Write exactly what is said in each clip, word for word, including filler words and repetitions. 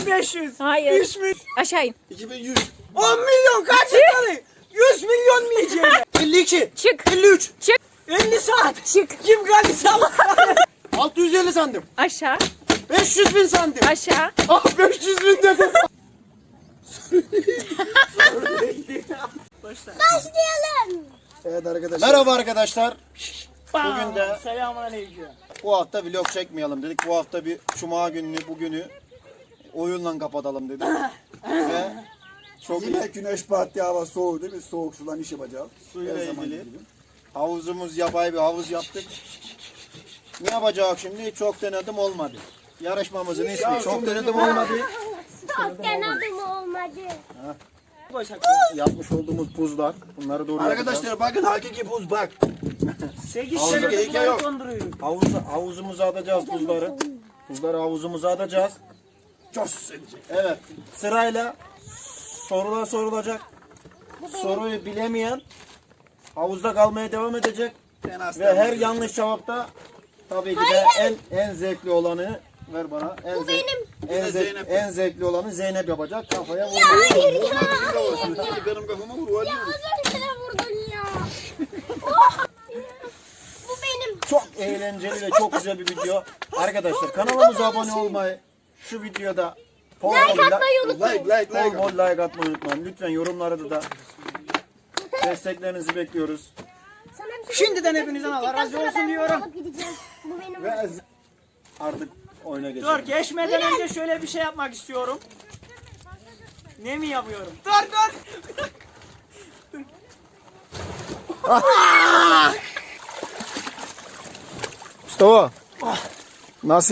beş yüz. Hayır. üç milyon. Aşağı in. iki bin yüz. on milyon kaç yakalı? yüz milyon mu yiyeceğim? elli iki. Çık. elli üç. Çık. elli saat. Çık. Kim geldi sabah? altı yüz elli sandım. Aşağı. beş yüz bin sandım. Aşağı. Ah beş yüz bin dedim. Başlayalım. Evet arkadaşlar. Merhaba arkadaşlar. Bugün de Selamünaleyküm. bu hafta vlog çekmeyelim dedik. Bu hafta bir cuma gününü, bugünü oyunla kapatalım dedik. Ve çok Yine güneş battı, hava soğuk değil mi? Soğuk sudan iş yapacağız. suyla Her zaman ilgili gibi. havuzumuz, yapay bir havuz yaptık. Ne yapacağız şimdi? Çok denedim olmadı. Yarışmamızın ismi çok denedim olmadı. Çok denedim olmadı. Yapmış olduğumuz buzlar. Bunları doğru yapacağız. Arkadaşlar bakın hakiki buz bak. sekiz Havuzda senedir gerek bunları yok. donduruyorum. Havuz, havuzumuza atacağız buzları. Buzları havuzumuza atacağız. Cos edecek. Evet. Sırayla sorular sorulacak. Soruyu bilemeyen havuzda kalmaya devam edecek. Ben hasta. Ve her yanlış cevapta tabii ki de en en zevkli olanı ver bana. En Bu benim. En, Yine zevk, Zeynep. en zevkli olanı Zeynep yapacak. Kafaya vurmak. Hayır ya. Hadi benim kafama vur. Hadi. Ya az önce de vurdun ya. Oh. Bu benim. Çok eğlenceli ve çok güzel bir video. Arkadaşlar kanalımıza abone olmayı, şu videoda bol Like bol atmayı Like unutmayın. like bol like. bol like atmayı unutmayın. Lütfen yorumlarda da desteklerinizi bekliyoruz. Sana bir şey Şimdiden söyleyeceğim. hepinizden Allah razı Sonra olsun ben diyorum. bunu alıp gideceğim. Bu benim. Ve artık oyuna Dur geçelim. geçmeden önce şöyle bir şey yapmak istiyorum. Ne mi yapıyorum? Dur dur. Mustafa. Nasıl?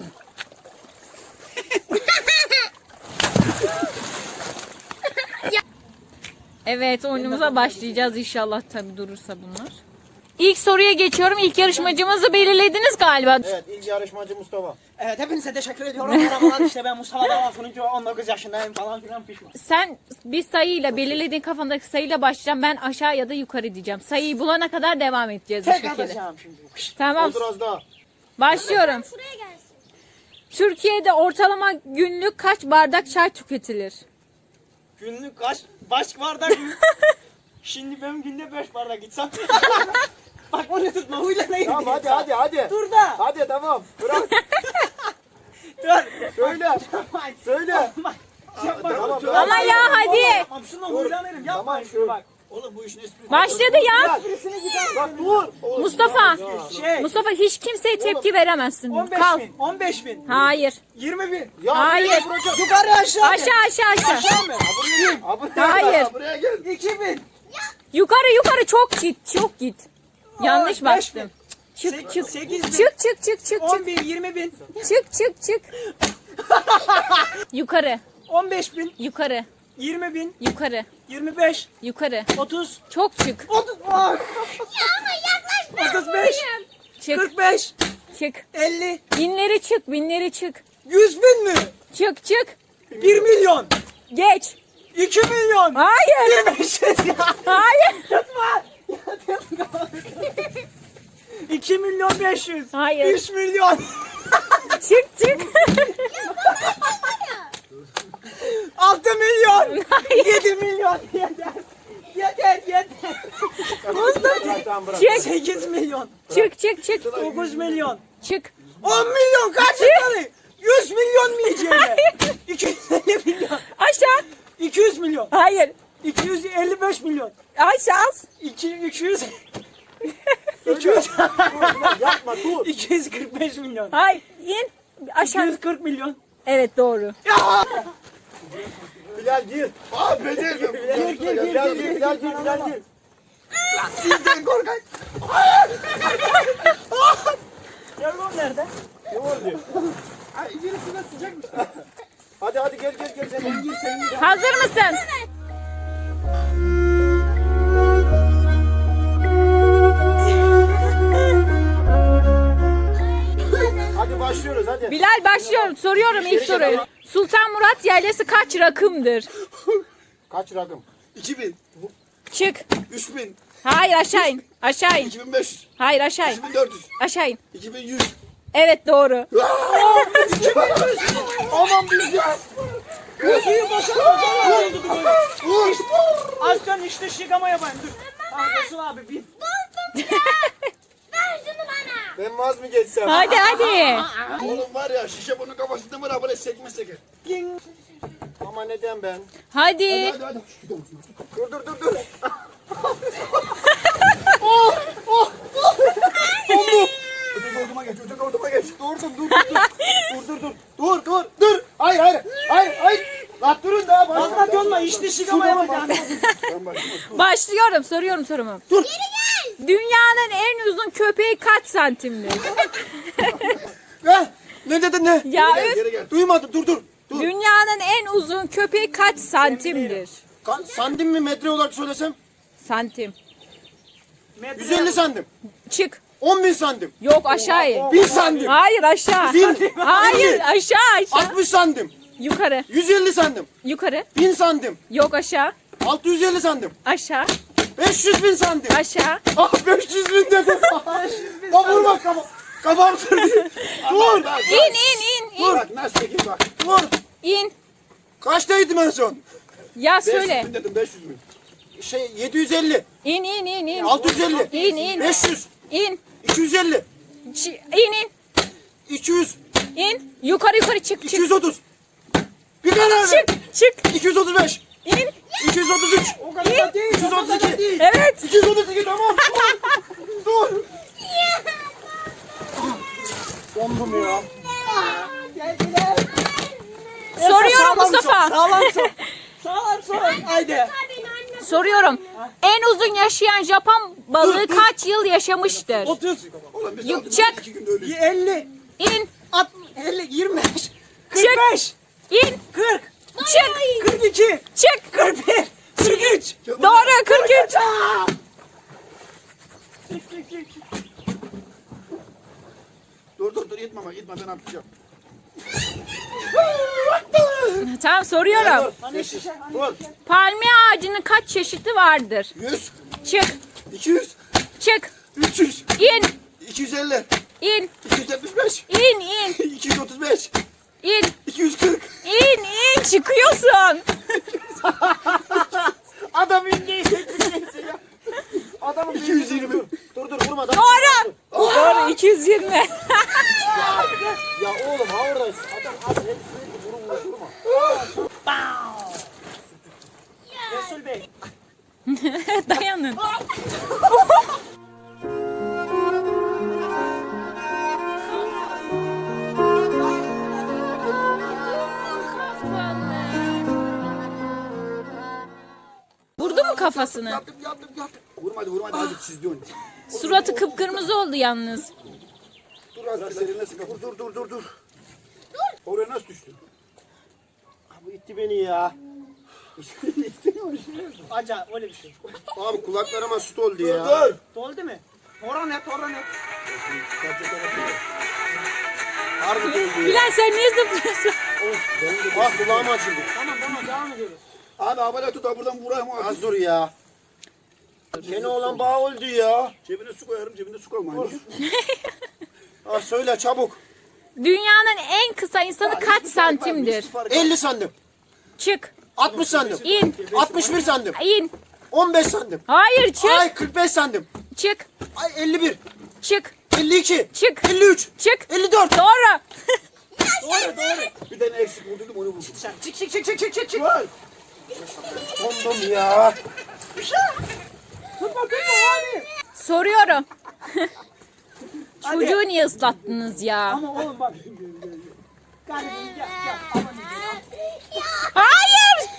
Evet, oyunumuza başlayacağız inşallah, tabii durursa bunlar. İlk soruya geçiyorum. İlk yarışmacımızı belirlediniz galiba. Evet, ilk yarışmacı Mustafa. Evet hepinize teşekkür ediyorum. Merhabalar, işte ben Mustafa Davasun'uncu, on dokuz yaşındayım falan filan pişman. Sen bir sayıyla, belirlediğin kafandaki sayıyla başlayacağım. Ben aşağı ya da yukarı diyeceğim. Sayıyı bulana kadar devam edeceğiz bu Tek şekilde. atacağım şimdi. Tamam. Olur az daha. Başlıyorum. Şuraya gelsin. Türkiye'de ortalama günlük kaç bardak çay tüketilir? Günlük kaç baş bardak mı? Şimdi ben günde beş bardak içsem. Bak onu tutma huyla ne Tamam hadi hadi hadi. Dur da. Hadi tamam. Bırak. Dur. Söyle. Söyle. Bak. Tamam. Ama ya hadi. Tamam şuna huylanırım. Yapma şunu bak. Oğlum bu işin esprisi. Başladı ya. Bak dur. Mustafa. Şey. Mustafa hiç kimseye tepki veremezsin. on beş Kal. bin. on beş bin. Hayır. yirmi bin. Ya, Hayır. Yukarı aşağı. Aşağı aşağı aşağı. Aşağı mı? Hayır. Buraya gel. iki bin. Yukarı yukarı çok git. Çok git. Yanlış Aa, beş bastım. Çık Sek- çık. sekiz bin. Çık çık çık çık on çık. bin. yirmi bin. Çık çık çık. Yukarı. on beş bin. Yukarı. yirmi bin. Yukarı. yirmi beş. Yukarı. otuz. Çok çık. otuz. Ah, Ya ama yaklaşma. otuz beş. Çık. kırk beş. Çık. elli. Binleri çık. Binleri çık. yüz bin mi? Çık çık. bir milyon. Geç. iki milyon. Hayır. beş yüz ya. Hayır. Tutma. iki milyon beş yüz. Hayır. üç milyon. Çık çık. altı milyon. yedi milyon. Yeter. Yeter yeter. Tamam bırak. Çık. sekiz milyon. Çık çık çık. dokuz milyon. Çık. on milyon kaç yakalı? yüz milyon mu yiyeceğim? iki yüz elli milyon. Aşağı. iki yüz milyon. Hayır. iki yüz elli beş milyon. Aşağı. iki iki yüz iki yüz Yapma dur. iki yüz kırk beş milyon. Hayır. İn. iki Aşağı. yüz kırk milyon. Evet doğru. Bilal gir. Abi becerdim. Gir gir gir Bilal gir gir. gir. Bilal gir. Bilal gir. Sizden korkak. Telefon nerede? Ne oldu? Ay birisi de sıcakmış. Hadi hadi gel gel gel. Sen gir sen gir. Hazır mısın? Hadi başlıyoruz hadi. Bilal başlıyorum. Soruyorum ilk soruyu. Sultan Murat Yaylası kaç rakımdır? Kaç rakım? iki bin. Çık. üç bin. Hayır aşağı in. Aşağı in. iki bin beş yüz. Hayır aşağı in. iki bin dört yüz. Aşağı in. iki bin yüz. Evet doğru. Aman biz ya. Suyu boşaltma. Vur. Aslan işte şıkama yapayım dur. Ah Resul abi bir. Ver şunu bana. Ben vaz mı geçsem? Hadi hadi. Oğlum var ya şişe bunun kafasında var ha böyle sekme seker. Ama neden ben? Hadi. Hadi hadi. Dur dur dur dur. Öteki orduma geç, öteki orduma geç. Durdum dur dur dur. Dur dur dur. Dur dur dur. Hayır hayır. Hayır hayır. Lan durun daha. Aslan yolma işte şıkama yapacağım. Ben başım. Başlıyorum. Soruyorum sorumu. Dur. Dünyanın en uzun köpeği kaç santimdir? Eh, ne dedin ne? Ya Gel, üf. geri gel. Duymadım dur dur. Dur. Dünyanın en uzun köpeği kaç santimdir? Ka- santim mi metre olarak söylesem? Santim. yüz elli santim. Çık. on bin santim. Yok aşağı in. bin santim. Hayır aşağı. Bin. Hayır aşağı aşağı. altmış santim. Yukarı. yüz elli santim. Yukarı. bin santim. Yok aşağı. altı yüz elli santim. Aşağı. beş yüz bin santim. Aşağı. Ah beş yüz bin dedim. Bak vurma kafa. Kafam kırdı. Dur. İn in in in. Bak nasıl çekeyim bak. Dur. İn. Kaçtaydım en son? Ya beş yüz söyle. bin dedim beş yüz bin. Şey yedi yüz elli. İn in in in. altı yüz elli. İn in. beş yüz. İn. iki yüz elli. Ç- İn in. iki yüz. İn. Yukarı yukarı çık iki çık. yüz otuz. Bir karar ver. Çık çık. iki yüz otuz beş. İn. iki yüz otuz üç. O kadar da değil. iki yüz otuz iki. Evet. iki yüz otuz iki tamam. Dur. Dur. Dondum ya. Soruyorum Mustafa. Sağlam sor. Sağlam sor. Haydi. Soruyorum. En uzun yaşayan Japon balığı kaç yıl yaşamıştır? otuz. Oğlum biz Yok, aldık, çek. iki günde ölüyoruz. elli. İn. altmış, elli. yirmi beş. kırk Çık. beş. İn. kırk. Çık. kırk iki. Çık. kırk bir. kırk üç. Doğru kırk üç. Dur dur dur itme bak itme ben atacağım. Tamam soruyorum. Dur. Palmiye ağacının kaç çeşidi vardır? yüz. Çık. iki yüz. Çık. üç yüz. İn. iki yüz elli. İn. iki yüz yetmiş beş. İn in. iki yüz otuz beş. İn. iki yüz kırk. İn in. Çıkıyorsun. Adam inceyi çekmişsin ya. Adamın iki yüz yirmi. Dur dur vurma. da- Doğru. Doğru iki yüz yirmi. Ya oğlum ha oradayız. Adam az hep sürekli vurun vurun vurma. Resul Bey. Dayanın. Vurdu mu kafasını? Yattım yattım yattım. Vurmadı vurmadı hadi çizdi onu. Suratı kıpkırmızı oldu yalnız. Dur az biraz eline sıkı. Dur dur dur dur dur. Oraya nasıl düştün? Bu itti beni ya. Acayip öyle bir şey. Abi kulaklarıma süt oldu Dur ya. dur. Doldu mu? Oran et, oran et. Harbi doldu ya. Bilal sen niye zıplıyorsun? Bak kulağım açıldı. Tamam tamam devam ediyoruz. Abi havale tut da buradan vurayım abi. Az dur ya. Gene olan bağ oldu ya. Cebine su koyarım cebinde su koymayın. Ha söyle çabuk. Dünyanın en kısa insanı kaç santimdir? elli santim. Çık. altmış santim. İn. altmış bir santim. İn. on beş santim. Hayır çık. Ay kırk beş santim. Çık. Ay elli bir. Çık. elli iki. Çık. elli üç. Çık. elli dört. Doğru. Doğru doğru. Bir tane eksik vurdum onu vurdum. Sen çık çık çık çık çık çık çık. Var. Dondum ya. Tutma tutma hadi. Soruyorum. Çocuğu niye ıslattınız ya? Ama oğlum bak. Garibim gel gel. Aman Hayır.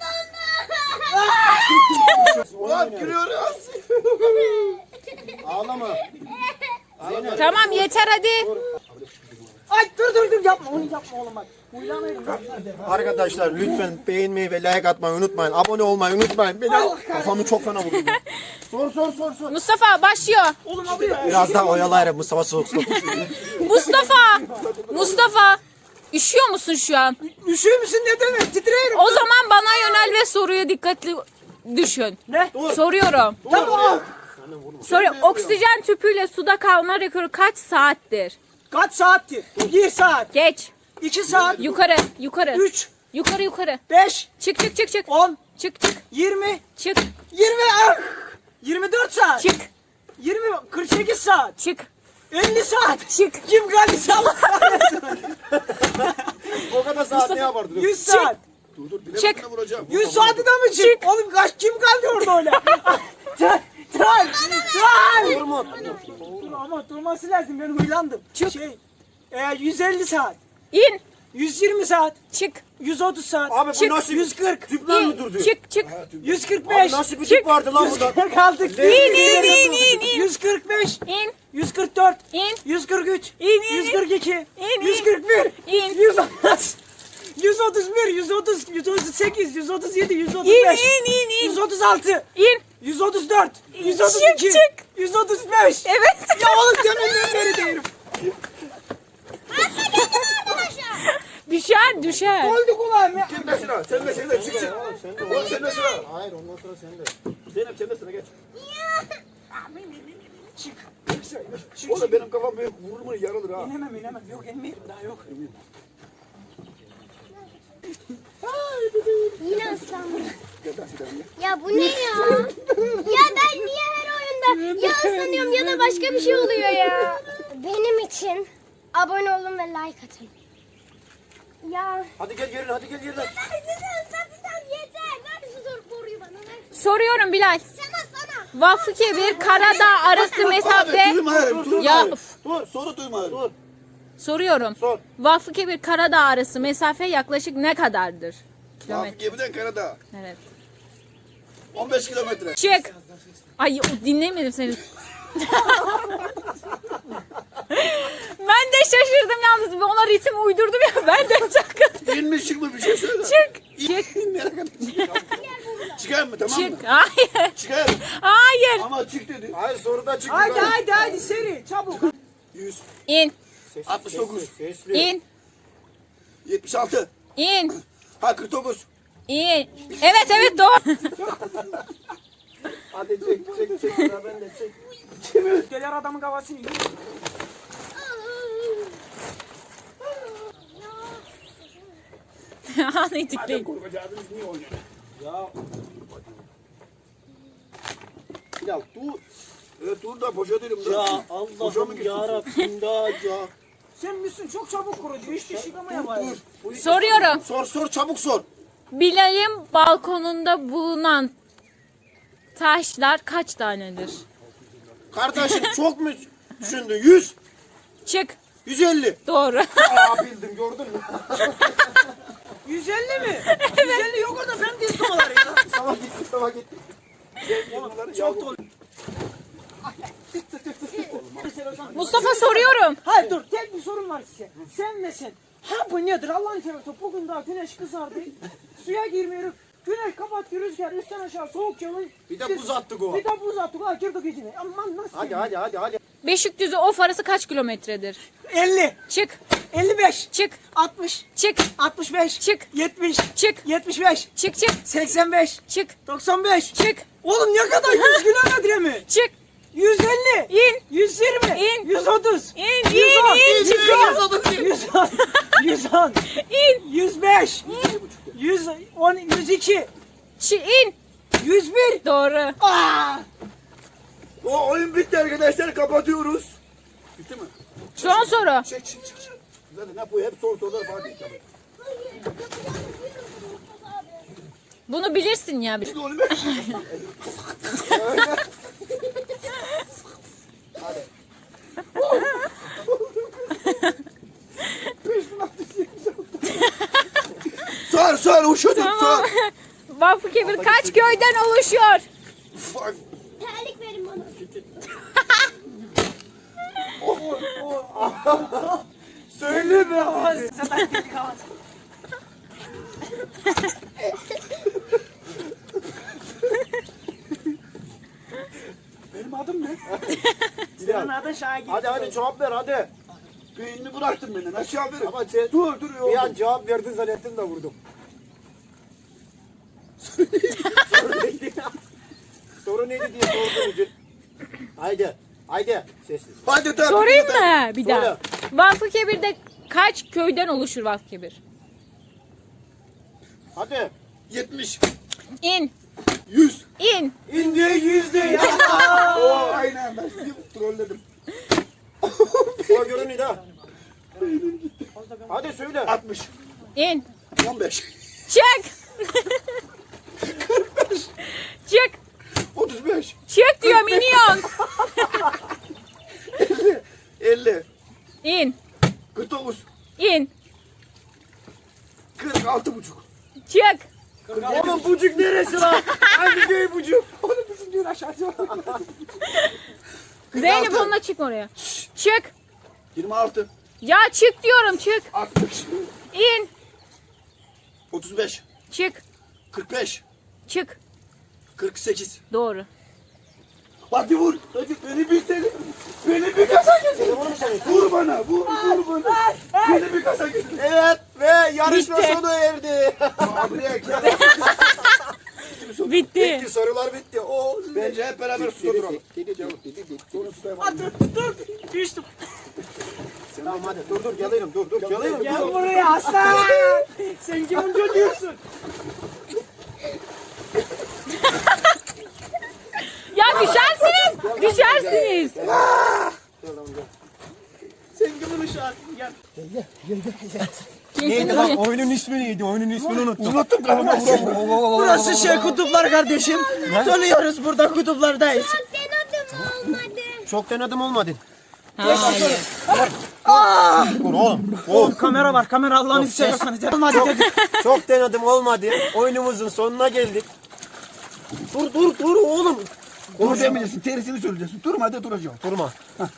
Ulan gülüyoruz. Ağlama. Tamam yeter hadi. Ay dur dur dur yapma onu yapma oğlum bak. Huylanıyorum. Arkadaşlar lütfen beğenmeyi ve like atmayı unutmayın. Abone olmayı unutmayın. Beni kafamı çok fena vurdu. Sor sor sor sor. Mustafa başlıyor. Oğlum abi. Biraz daha oyalayalım Mustafa soğuk soğuk. Mustafa. Mustafa. Üşüyor musun şu an? Üşüyor musun ne demek? Titreyelim. O zaman bana yönel ve soruya dikkatli düşün. Ne? Soruyorum. Tamam. Soruyorum. Oksijen tüpüyle suda kalma rekoru kaç saattir? Kaç saattir? Bir saat. Geç. iki saat. Yukarı. Yukarı. Üç. Yukarı yukarı. Beş. Çık çık çık çık. On. Çık çık. Yirmi. Çık. Yirmi. Ah! Yirmi dört saat. Çık. Yirmi. Kırk sekiz saat. Çık. Elli saat. Çık. Kim geldi Allah kahretsin. O kadar saat ne yapardın? Yüz saat. Dur dur Çık. bilemedine vuracağım. Yüz saati de mi çık? Oğlum kaç kim kaldı orada öyle? Tral. Tral. Tral. Durma. Dur ama durması lazım ben huylandım. Çık. Şey. E, yüz elli saat. İn. yüz yirmi saat. Çık. yüz otuz saat. Abi bu Çık. nasıl yüz kırk. tüpler mi İn. durdu? Çık çık. yüz kırk Abi beş. nasıl bir tüp vardı lan burada? yüz kırk altı. İn in in in in. yüz kırk beş. İn. yüz kırk dört. İn. yüz kırk üç. İn, in, yüz kırk iki. İn, yüz in. kırk bir. İn. yüz otuz. yüz otuz bir. yüz otuz. yüz otuz sekiz. yüz otuz yedi. yüz otuz İn beş. in in in. yüz otuz altı. İn. yüz otuz dört. yüz otuz Çık, iki. çık. yüz otuz beş. Evet. Ya oğlum dönünden beri değilim. Düşer düşer. Oldu kulağım ya. Kim de sıra? Sen de sen de çık çık. Sen de Oğlum sen de sıra. Hayır ondan sonra sen de. Zeynep sen de sıra geç. Çık. Çık. Oğlum benim kafam büyük. Vurur mu yarılır ha. İnemem inemem. Yok inmeyelim daha yok. Yine ıslandım. Ya bu ne ya? Ya ben niye her oyunda ya ıslanıyorum ya da başka bir şey oluyor ya? Benim için abone olun ve like atın. Ya. Hadi gel gelin hadi gel gelin. Ben sizi ıslatacağım yeter. Ver şu zor boruyu bana ver. Soruyorum Bilal. Sana sana. Vakfı Kebir Karadağ arası mesafe. Duyma hayır. Dur Ya hayır. üf. Dur soru duyma hayır. Dur. Soruyorum. Sor. Vakfı Kebir Karadağ arası mesafe yaklaşık ne kadardır? Kilometre. Abi gemiden Karadağ. Evet. on beş kilometre. Çık. Ay o- dinlemedim seni. Ben de şaşırdım yalnız. Ona ritim uydurdum ya. Ben de çakıldım. İnmiş çıkmış bir şey söyle. Çık. Çık. Merak etme. Çıkar mı tamam mı? Çık. Hayır. Çıkar. Hayır. Ama çık dedi. Hayır soruda çık. Haydi haydi haydi seri çabuk. yüz. İn. altmış dokuz. Sesli. İn. yetmiş altı. İn. Ha kırk dokuz. İn. Evet evet doğru. Hadi çek çek çek. Sıra bende çek. Gelir adamın kafasını yiyor. Anlayacak Korkacağınız niye oynuyor? Ya Ya dur. Evet dur da boşa değilim. dur. Ya Boşa mı Allah'ım gitsin? yarabbim da ya. Sen misin çok çabuk kuruyor. Hiç de şıkamaya var. Dur. Soruyorum. Sor sor çabuk sor. Bilal'in balkonunda bulunan taşlar kaç tanedir? Kardeşim çok mu düşündün? yüz. Çık. yüz elli. Doğru. aa bildim gördün mü? yüz elli mi? yüz elli yok orada ben dizdim onları ya. Sabah gitti sabah gitti. Çok dolu. Mustafa soruyorum. Hayır dur tek bir sorun var size. Sen ve sen. Ha bu nedir Allah'ın seversen bugün daha güneş kızardı. Suya girmiyoruz. Güneş kapattı rüzgar üstten aşağı soğuk yağıyor. Bir de buz attık o. Bir de buz attık ha girdik içine. Aman nasıl? Hadi hadi hadi hadi. Beşikdüzü Of arası kaç kilometredir? elli. Çık. elli beş. Çık. altmış. Çık. altmış beş. Çık. yetmiş. Çık. yetmiş beş. Çık çık. seksen beş. Çık. doksan beş. Çık. Oğlum ne kadar yüz kilometre mi? Çık. yüz elli. İn. yüz yirmi. İn. yüz otuz. İn. yüz on. İn. yüz on. yüz on. yüz on. İn. yüz beş. yüz on. yüz iki. Çi in. yüz bir. Doğru. Aa! O oyun bitti arkadaşlar kapatıyoruz. Bitti mi? Son soru. Çek çek çek. çek. Zaten ne bu hep soru sorular Fatih. Tabii. Bunu bilirsin ya. Şimdi oğlum. Sor sor uşadım sor. Tamam. Vakfı Kebir kaç köyden oluşuyor? Fuck. Terlik verin bana. Söyle be havası. Zaten dedik havası. Benim adım ne? Senin adın Şagir. Hadi hadi cevap ver hadi. Beynini bıraktın benden aşağı verin. Ama sen Dur dur bir yok. an cevap verdin zannettim de vurdum. Soru neydi? Soru neydi diye sordum. Haydi. Haydi. Sessiz. Hadi tamam. Sorayım mı bir daha? Söyle. Vakfıkebir'de kaç köyden oluşur Vakfıkebir? Hadi. yetmiş. İn. yüz. İn. İnce yüzde ya. Oo, aynen ben sizi trolledim. O görünüyor ha. Hadi söyle. altmış. İn. on beş. Çık. Çık. otuz beş. Çık diyorum iniyorsun. elli. elli. İn. kırk dokuz. İn. kırk altı buçuk. Çık. Oğlum bucuk neresi lan? Hangi köy bucuk? Oğlum bizim diyor aşağıya. Zeynep onunla çık oraya. Çık. yirmi altı. Ya çık diyorum çık. altmış. İn. otuz beş. Çık. kırk beş. Çık. kırk sekiz. Doğru. Hadi vur. Hadi beni bir tane. Beni bir kasa getir. Vur bana. Vur vur bana. Beni bir kasa getir. Evet ve yarışma Bitti. sona erdi. Abiye gel. Bitti. Bitti sorular bitti. O Bence hep beraber suda duralım. Hadi dur. Düştüm. Tamam hadi dur dur geliyorum dur dur geliyorum. Gel buraya aslan. Sen kimin çocuğusun? Ya düşersiniz. Düşersiniz. Sen kimin uşağısın? Gel. Neydi lan oyunun ismi neydi? Oyunun ismini unuttum. Unuttum kafama vura. Burası şey kutuplar kardeşim. Dönüyoruz burada kutuplardayız. Denedim olmadı. Çok denedim olmadı. Hayır. Dur oğlum. Oğlum kamera var. Kamera Allah'ını seversen. Olmadı dedi. Çok denedim olmadı. Oyunumuzun sonuna geldik. Dur dur dur oğlum. Dur demeyeceksin. Terisini söyleyeceksin. Durma hadi duracağım. Durma.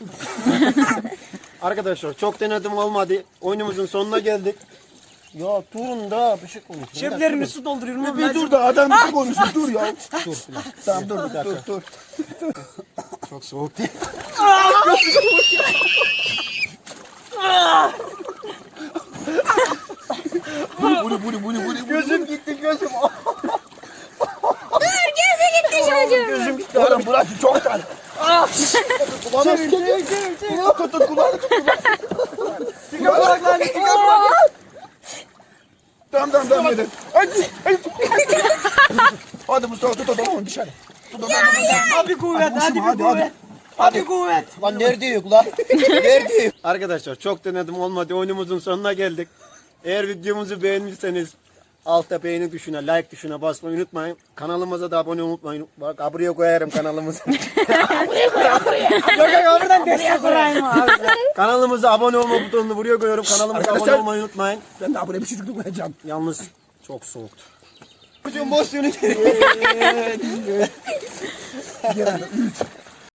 Arkadaşlar çok denedim olmadı. Oyunumuzun sonuna geldik. Ya durun da bir şey konuşun. Ceplerimi su dolduruyorum. ama Bir ben- dur da adam bir şey konuşsun. Dur ya. Dur. Tamam dur dur dur. Çok soğuk değil. Buri buri buri buri buri. Gözüm gitti gözüm. Gözüm gitti. Oğlum burası çok dar. Kulağına tut. Kulağına tut. Kulağına tut. Kulağına tut. Tamam tamam tamam hadi. Hadi. Hadi Mustafa tut adamı dışarı. Tut adamı. Hadi kuvvet. Hadi bir Hadi, hadi. kuvvet. Hadi kuvvet. Lan nerede yok lan? Nerede yok? Arkadaşlar çok denedim olmadı. Oyunumuzun sonuna geldik. Eğer videomuzu beğendiyseniz altta beğeni tuşuna, like tuşuna basmayı unutmayın. Kanalımıza da abone olmayı unutmayın. Bak buraya koyarım kanalımızı. Yok yok oradan nereye kurayım abi. Kanalımıza abone olma butonunu buraya koyuyorum. Kanalımıza abone Arkadaşlar- olmayı unutmayın. Ben de buraya bir çocuk koyacağım. Yalnız çok soğuktu. Çocuğun boş yönü. Gel. Üç.